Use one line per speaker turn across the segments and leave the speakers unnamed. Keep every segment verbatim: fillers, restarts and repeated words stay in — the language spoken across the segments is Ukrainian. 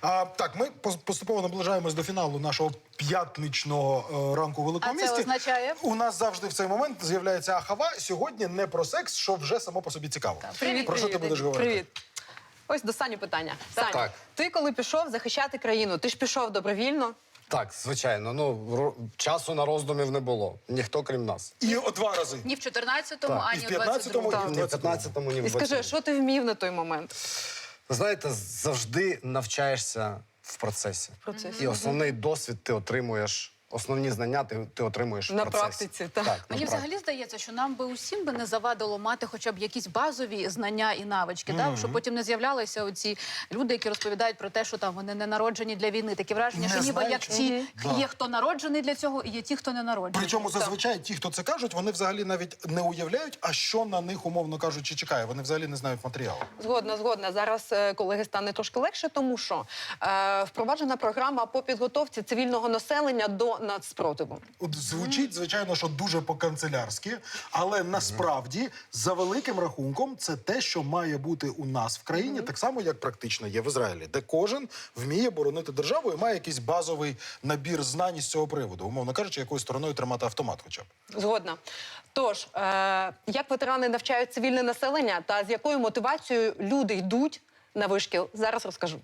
А, так, ми пос- поступово наближаємось до фіналу нашого п'ятничного е, ранку у Великому
А це
місті.
означає?
У нас завжди в цей момент з'являється ахава. Сьогодні не про секс, що вже само по собі цікаво.
Привіт,
Про що ти
привіт,
будеш говорити?
Привіт. Ось останнє питання. Саня,
Так.
ти коли пішов захищати країну, ти ж пішов добровільно?
Так, звичайно. Ну, ро- часу на роздумів не було. Ніхто, крім нас.
І о два рази.
Ні в чотирнадцятому,
Так.
ані
І в
в
п'ятнадцятому,
двадцять другому.
і в
Ні в п'ятнадцятому, ні в
І скажи,
двадцятому.
що ти вмів на той момент?
Ви знаєте, завжди навчаєшся в процесі.
В процесі.
І основний досвід ти отримуєш, основні знання ти, ти отримуєш
На
в процесі.
практиці, так.
Так,
Мені
на
взагалі
практиці.
здається, що нам би усім би не завадило мати хоча б якісь базові знання і навички, так? Щоб потім не з'являлися оці люди, які розповідають про те, що там вони не народжені для війни. Таке враження,
Не
що ніби
знають,
як
чого.
ті
Да.
є, хто народжений для цього, і є ті, хто не народжений.
Причому
Так.
зазвичай ті, хто це кажуть, вони взагалі навіть не уявляють, а що на них, умовно кажучи, чекає. Вони взагалі не знають матеріалу.
Згодна, згодна. Зараз, е, колеги, стане трошки легше, тому що е, впроваджена програма по підготовці цивільного населення до нацспротиву.
От звучить, звичайно, що дуже по-канцелярськи, але насправді, за великим рахунком, це те, що має бути у нас в країні, так само, як практично є в Ізраїлі, де кожен вміє боронити державу і має якийсь базовий набір знань з цього приводу. Умовно кажучи, якою стороною тримати автомат хоча б.
Згодна. Тож, е, як ветерани навчають цивільне населення та з якою мотивацією люди йдуть на вишкіл, зараз розкажу.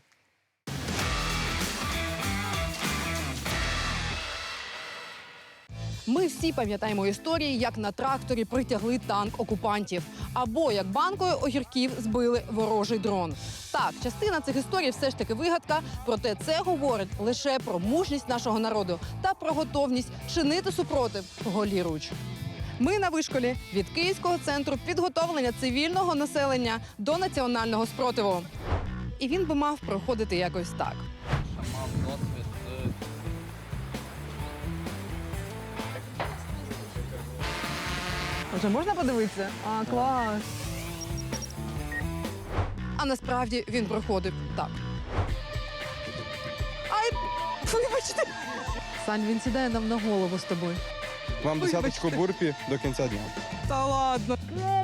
Ми всі пам'ятаємо історії, як на тракторі притягли танк окупантів, або як банкою огірків збили ворожий дрон. Так, частина цих історій все ж таки вигадка, проте це говорить лише про мужність нашого народу та про готовність чинити супротив голіруч. Ми на вишколі від Київського центру підготовлення цивільного населення до національного спротиву. І він би мав проходити якось так. Вже можна подивитися? А, клас. А насправді він проходив так. Ай, вибачте. Сань, він сідає нам на голову з тобою.
Вам десяточку бурпі до кінця дня.
Та ладно.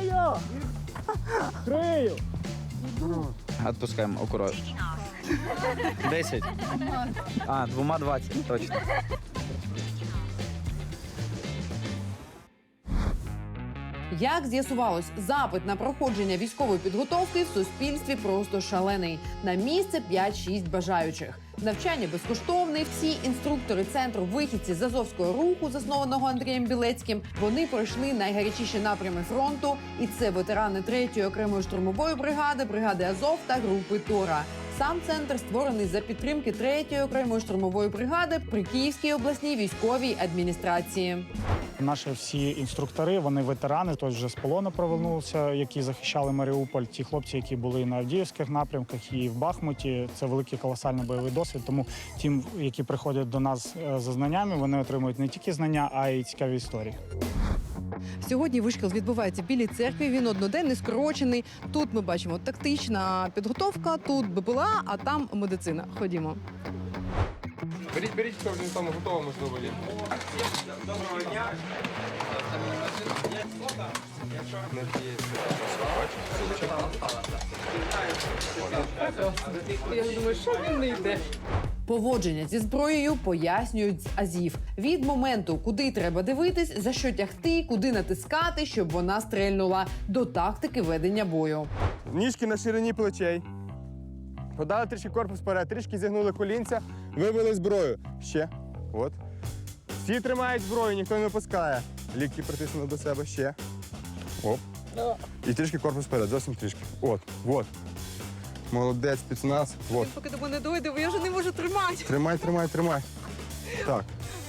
Отпускаємо акуратно. Десять. А, двома двадцять, точно.
Як з'ясувалось, запит на проходження військової підготовки в суспільстві просто шалений. На місце п'ять-шість бажаючих. Навчання безкоштовне. Всі інструктори центру вихідці з Азовського руху, заснованого Андрієм Білецьким, вони пройшли найгарячіші напрями фронту. І це ветерани третьої окремої штурмової бригади, бригади Азов та групи Тора. Сам центр створений за підтримки третьої окремої штурмової бригади при Київській обласній військовій адміністрації.
Наші всі інструктори, вони ветерани, хтось вже з полону повернувся, які захищали Маріуполь. Ті хлопці, які були на Авдіївських напрямках і в Бахмуті. Це великий колосальний бойовий досвід. Тому ті, які приходять до нас за знаннями, вони отримують не тільки знання, а й цікаві історії.
Сьогодні вишкіл відбувається в Білій церкві, він одноденний, скорочений. Тут ми бачимо тактична підготовка, тут БПЛА, а там медицина. Ходімо.
Беріть, беріть, хто вже там готово, можливо, є.
Я думаю, що він не йде. Поводження зі зброєю пояснюють з азів. Від моменту, куди треба дивитись, за що тягти, куди натискати, щоб вона стрельнула, до тактики ведення бою.
Ніжки на ширині плечей. Подали трішки корпус вперед, трішки зігнули колінця, вивели зброю. Ще. От. Всі тримають зброю, ніхто не опускає. Лікті притиснули до себе. Ще. Оп. І трішки корпус вперед, зовсім трішки. От, от. Молодець, спецназ. От.
Поки до мене дойде, бо я вже не можу тримати.
Тримай, тримай, тримай. Так.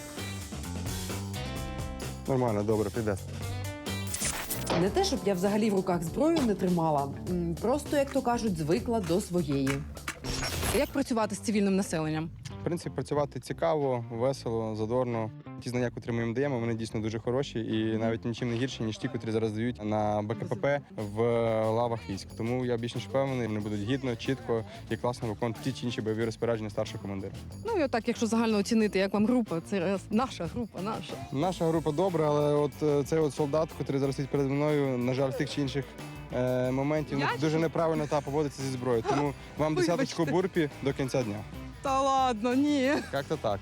Нормально, добре, піде.
Не те, щоб я взагалі в руках зброю не тримала. М, Просто, як то кажуть, звикла до своєї. Як працювати з цивільним населенням?
В принципі, працювати цікаво, весело, задорно. Ті знання, котрі ми їм даємо, вони дійсно дуже хороші і навіть нічим не гірші, ніж ті, котрі зараз дають на БКПП в лавах військ. Тому я більш ніж впевнений, вони будуть гідно, чітко і класно виконувати ті чи інші бойові розпорядження старшого командира.
Ну і отак, якщо загально оцінити, як вам група, це наша група, наша.
Наша група добра, але от е, цей от солдат, котрий зараз стоїть перед мною, на жаль, в тих чи інших е, моментів не- дуже неправильно та поводиться зі зброєю. Тому вам десяточку бурпі до кінця дня.
Та ладно, ні.
Як-то так.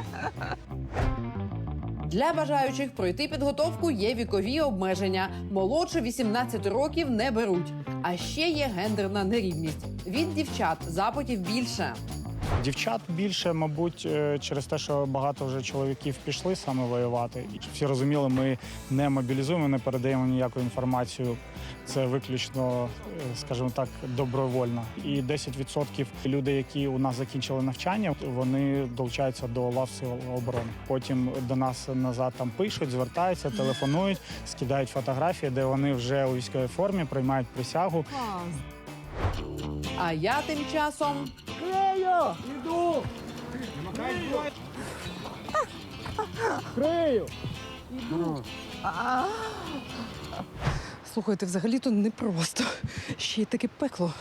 Для бажаючих пройти підготовку є вікові обмеження. Молодше вісімнадцяти років не беруть. А ще є гендерна нерівність. Від дівчат запитів більше.
Дівчат більше, мабуть, е, через те, що багато вже чоловіків пішли саме воювати. І всі розуміли, ми не мобілізуємо, не передаємо ніяку інформацію. Це виключно, е, скажімо так, добровольно. І десять відсотків людей, які у нас закінчили навчання, вони долучаються до лав сил оборони. Потім до нас назад там пишуть, звертаються, телефонують, скидають фотографії, де вони вже у військовій формі приймають присягу.
А я тим часом
Слухайте, взагалі-то непросто. Ще й таке пекло.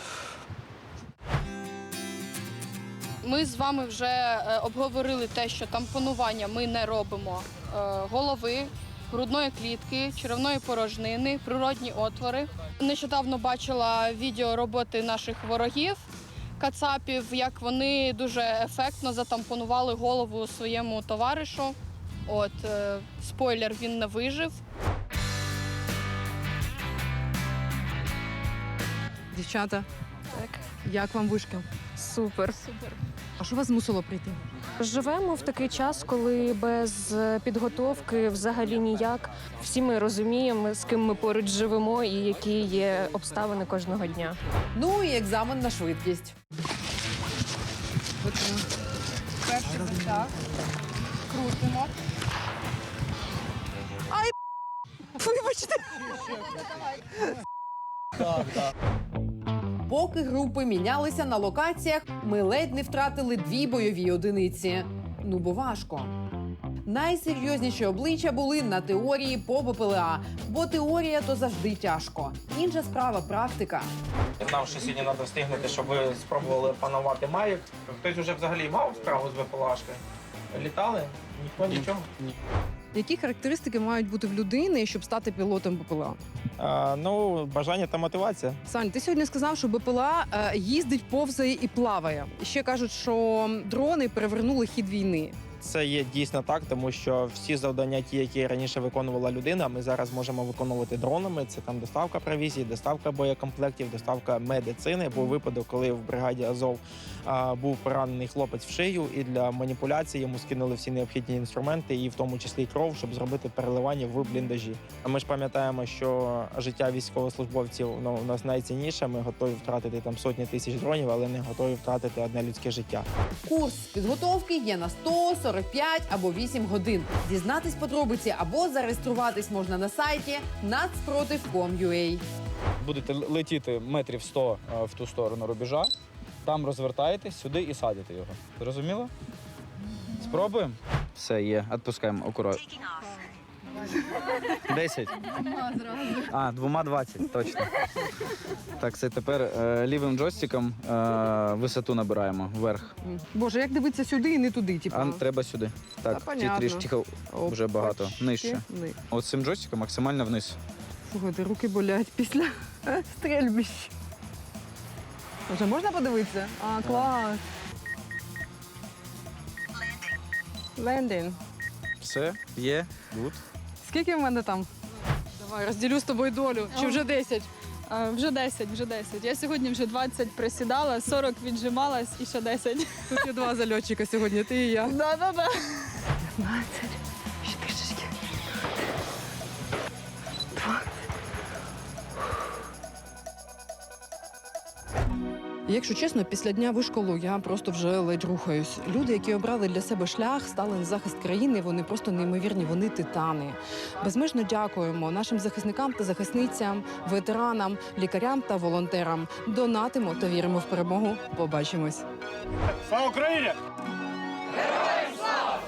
Ми з вами вже е, обговорили те, що тампонування ми не робимо е, голови, грудної клітки, черевної порожнини, природні отвори. Нещодавно бачила відео роботи наших ворогів, кацапів, як вони дуже ефектно затампонували голову своєму товаришу. От, е, спойлер, він не вижив.
Дівчата, так. Як вам вишка?
Супер.
Супер.
А що вас змусило прийти?
Живемо в такий час, коли без підготовки взагалі ніяк. Всі ми розуміємо, з ким ми поруч живемо і які є обставини кожного дня.
ну і екзамен на швидкість.
Перший затяг. Крутимо.
Вибачте.
Поки групи мінялися на локаціях, ми ледь не втратили дві бойові одиниці. Ну бо важко. Найсерйозніші обличчя були на теорії по БПЛА, бо теорія то завжди тяжко. Інша справа практика.
Я знав, що сьогодні треба встигнути, щоб ви спробували панувати Маїк. Хтось вже взагалі мав справу з ВПЛАшкою? Літали? Ніхто нічого?
Які характеристики мають бути в людини, щоб стати пілотом БПЛА?
А, ну, бажання та мотивація.
Сань, ти сьогодні сказав, що БПЛА е, їздить, повзає і плаває. І ще кажуть, що дрони перевернули хід війни.
Це є дійсно так, тому що всі завдання, ті, які раніше виконувала людина, ми зараз можемо виконувати дронами. Це там доставка провізії, доставка боєкомплектів, доставка медицини. Був випадок, коли в бригаді Азов а, був поранений хлопець в шию, і для маніпуляції йому скинули всі необхідні інструменти, і в тому числі кров, щоб зробити переливання в бліндажі. А ми ж пам'ятаємо, що життя військовослужбовців ну, у нас найцінніше. Ми готові втратити там сотні тисяч дронів, але не готові втратити одне людське життя.
Курс підготовки є на сто сорок п'ять або вісім годин. Дізнатись подробиці або зареєструватись можна на сайті нацпротив крапка ком крапка ю а.
Будете летіти метрів сто е, в ту сторону рубежа, там розвертаєтесь сюди і садите його. Зрозуміло? Спробуємо? Все, є. Відпускаємо акуратно. Десять. А, двома двадцять, точно. Так, це тепер е, лівим джойстиком е, висоту набираємо вверх.
Боже, як дивитися сюди і не туди, типу.
А треба сюди. Так,
Та
ті
понятно.
трішки вже багато.
Опачки.
Нижче.
Ни-
От цим джойстиком максимально вниз.
Слухайте, руки болять після стрельбищ. Вже можна подивитися? А, клас. Лендін.
Все, є, гуд.
Скільки в мене там? Давай, розділю з тобою долю. Чи вже десять?
А, вже десять, вже десять. Я сьогодні вже двадцять присідала, сорок віджималась і ще десять.
Тут є два зальотчика сьогодні, ти і я.
Да-да-да.
п'ятнадцять. Ще трішечки. Якщо чесно, після дня вишколу я просто вже ледь рухаюсь. Люди, які обрали для себе шлях, стали на захист країни, вони просто неймовірні, вони титани. Безмежно дякуємо нашим захисникам та захисницям, ветеранам, лікарям та волонтерам. Донатимо та віримо в перемогу. Побачимось.
Слава Україні!
Героям слава!